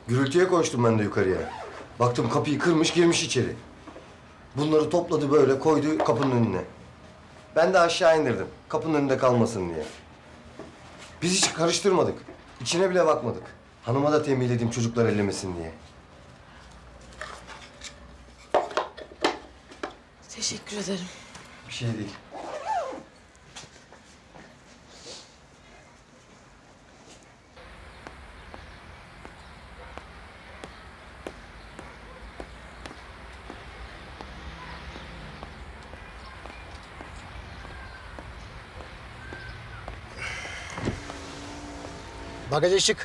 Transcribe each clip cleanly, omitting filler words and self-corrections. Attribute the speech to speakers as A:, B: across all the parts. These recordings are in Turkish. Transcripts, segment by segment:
A: Gürültüye koştum ben de yukarıya. Baktım kapıyı kırmış girmiş içeri. Bunları topladı böyle koydu kapının önüne. Ben de aşağı indirdim kapının önünde kalmasın diye. Biz hiç karıştırmadık. İçine bile bakmadık. Hanıma da tembihledim çocuklar ellemesin diye.
B: Teşekkür ederim.
A: Bir şey değil.
C: Bagaj açık.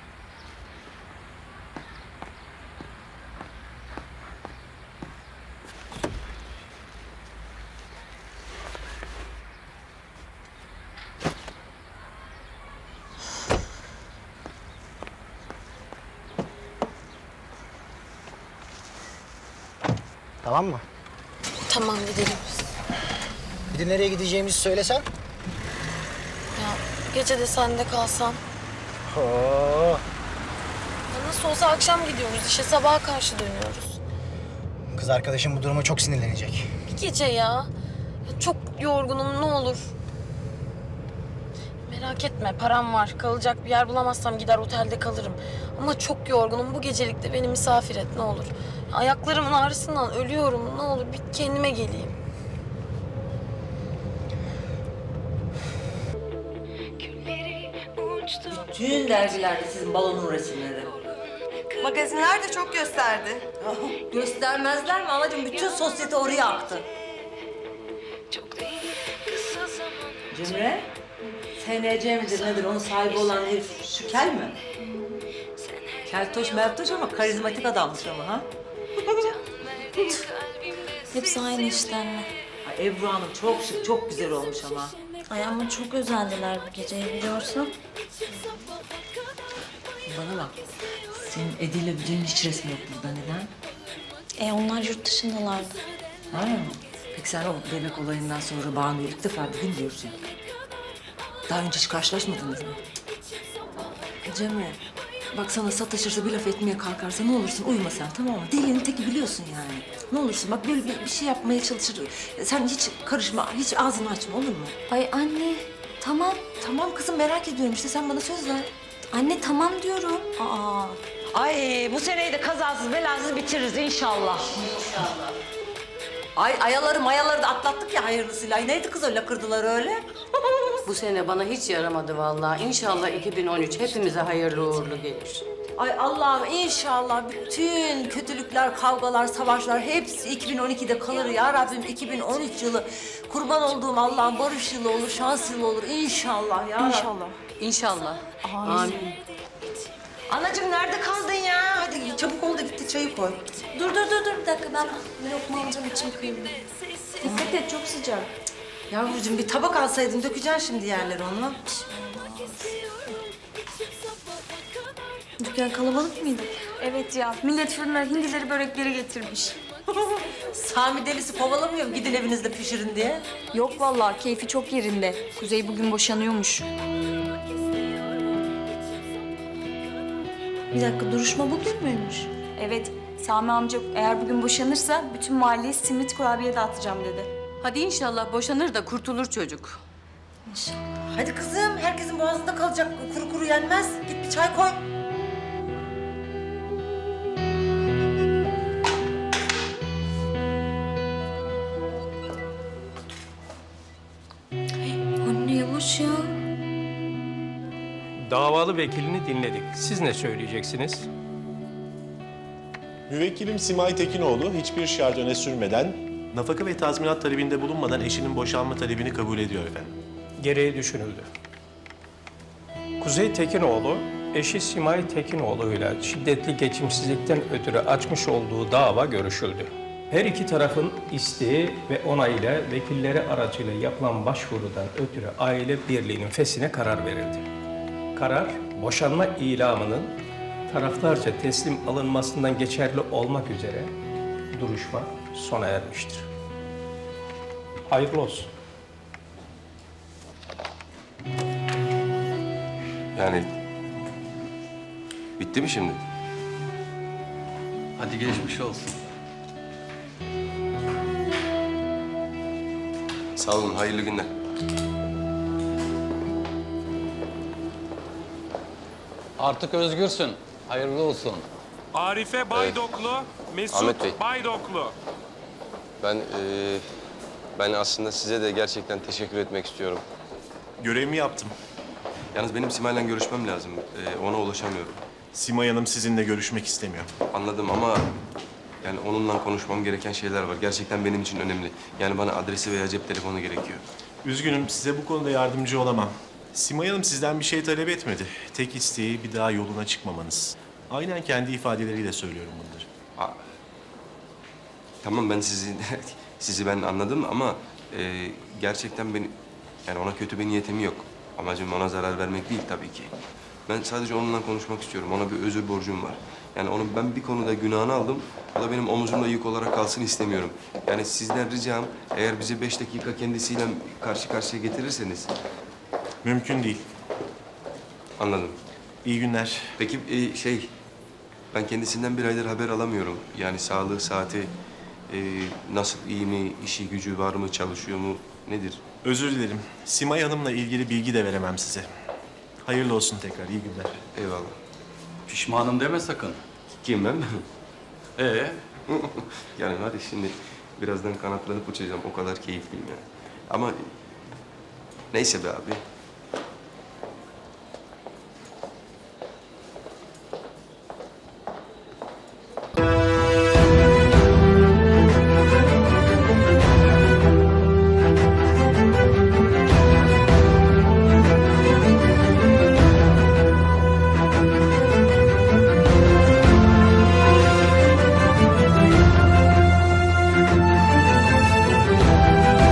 C: Tamam mı?
B: Tamam gidelim.
C: Bir de nereye gideceğimizi söylesen.
B: Ya gece de sende kalsam.
C: Oo.
B: Ya nasıl olsa akşam gidiyoruz işe sabaha karşı dönüyoruz.
C: Kız arkadaşım bu duruma çok sinirlenecek.
B: Bir gece ya. Ya çok yorgunum ne olur. Merak etme param var. Kalacak bir yer bulamazsam gider otelde kalırım. Ama çok yorgunum. Bu gecelik de beni misafir et ne olur. Ayaklarımın ağrısından ölüyorum. Ne olur bir kendime geleyim.
D: Bütün dergilerde sizin balonun resimleri.
E: Magazinler de çok gösterdi.
D: Göstermezler mi anacığım? Bütün sosyete oraya aktı. Cemre, SNC midir nedir? Onun sahibi olan herif şu kel mi? Keltoş meltoş ama karizmatik adammış ama ha?
F: Hepsi aynı işten mi?
D: Ay, Ebru Hanım çok şık, çok güzel olmuş ama.
F: Ay ama çok özendiler bu geceyi biliyorsun.
D: Bana bak, senin Edi'yle Büce'nin hiç resmi yok burada. Neden?
F: Onlar yurt dışındalardı.
D: Ha. Peki sen o bebek olayından sonra Banu'yu ilk defa bugün diyorsun. Daha önce hiç karşılaşmadınız mı? Cemre, bak sana sataşırsa bir laf etmeye kalkarsa ne olursun uyuma sen, tamam mı? Delinin teki biliyorsun yani. Ne olursun bak böyle bir şey yapmaya çalışır. Sen hiç karışma, hiç ağzını açma olur mu?
F: Ay anne tamam.
D: Tamam kızım merak ediyorum işte sen bana söz ver.
F: Anne tamam diyorum. Aa.
D: Ay bu seneyi de kazasız belasız bitiririz inşallah. İnşallah. Ay mayaları da atlattık ya hayırlısıyla. Ay, neydi kız öyle kırdılar öyle?
G: Bu sene bana hiç yaramadı vallahi. İnşallah 2013 hepimize hayırlı uğurlu gelir.
D: Ay Allah'ım inşallah bütün kötülükler, kavgalar, savaşlar hepsi 2012'de kalır ya Rabbim. 2013 yılı kurban olduğum Allah'ın barış yılı olur, şans yılı olur inşallah ya Rabbim.
G: İnşallah. İnşallah. Amin.
D: Anacığım nerede kaldın ya? Hadi çabuk ol da gitti çayı koy.
F: Dur bir dakika ben bir lokma alacağım içim kıyıldı. Dikkat et çok sıcak.
D: Yavrucuğum bir tabak alsaydın dökeceksin şimdi yerleri onu.
F: Dükkan kalabalık mıydı?
H: Evet ya, millet fırına hindileri börekleri getirmiş.
D: Sami delisi kovalamıyor mu gidin evinizde pişirin diye?
H: Yok vallahi, keyfi çok yerinde. Kuzey bugün boşanıyormuş.
F: Bir dakika duruşma bugün müymüş?
H: Evet, Sami amca eğer bugün boşanırsa bütün mahalleye simit kurabiye dağıtacağım dedi.
G: Hadi inşallah boşanır da kurtulur çocuk.
D: Hadi kızım herkesin boğazında kalacak kuru kuru yenmez. Git bir çay koy.
F: Anne yavaş ya.
I: Davalı vekilini dinledik. Siz ne söyleyeceksiniz?
J: Müvekkilim Simay Tekinoğlu hiçbir şart öne sürmeden, nafaka ve tazminat talebinde bulunmadan eşinin boşanma talebini kabul ediyor efendim.
I: Gereği düşünüldü. Kuzey Tekinoğlu, eşi Simay Tekinoğlu ile şiddetli geçimsizlikten ötürü açmış olduğu dava görüşüldü. Her iki tarafın isteği ve onayıyla vekilleri aracıyla yapılan başvurudan ötürü aile birliğinin feshine karar verildi. Karar, boşanma ilamının taraflarca teslim alınmasından geçerli olmak üzere duruşma sona ermiştir. Hayırlı olsun.
A: Yani bitti mi şimdi?
K: Hadi geçmiş olsun.
A: Sağ olun, hayırlı günler.
K: Artık özgürsün. Hayırlı olsun.
L: Arife Baydoklu,
A: Ahmet Bey.
L: Mesut Baydoklu.
A: Ben aslında size de gerçekten teşekkür etmek istiyorum.
J: Görevimi yaptım.
A: Yalnız benim Simay'la görüşmem lazım. Ona ulaşamıyorum.
J: Simay Hanım sizinle görüşmek istemiyor.
A: Anladım ama yani onunla konuşmam gereken şeyler var. Gerçekten benim için önemli. Yani bana adresi veya cep telefonu gerekiyor.
J: Üzgünüm, size bu konuda yardımcı olamam. Simay Hanım sizden bir şey talep etmedi. Tek isteği bir daha yoluna çıkmamanız. Aynen kendi ifadeleriyle söylüyorum bunları.
A: Tamam ben sizi ben anladım ama gerçekten yani ona kötü bir niyetim yok. Amacım ona zarar vermek değil tabii ki. Ben sadece onunla konuşmak istiyorum. Ona bir özür borcum var. Yani onun ben bir konuda günahını aldım. O da benim omuzumda yük olarak kalsın istemiyorum. Yani sizden ricam eğer bizi 5 dakika kendisiyle karşı karşıya getirirseniz.
J: Mümkün değil.
A: Anladım.
J: İyi günler.
A: Peki ben kendisinden bir aydır haber alamıyorum. Yani sağlığı, saati, nasıl, iyi mi, işi gücü var mı, çalışıyor mu, nedir?
J: Özür dilerim. Simay Hanım'la ilgili bilgi de veremem size. Hayırlı olsun tekrar, iyi günler.
A: Eyvallah.
K: Pişmanım deme sakın.
A: Kim ben? Yani hadi şimdi birazdan kanatlanıp uçacağım. O kadar keyifliyim yani. Ama neyse be abi.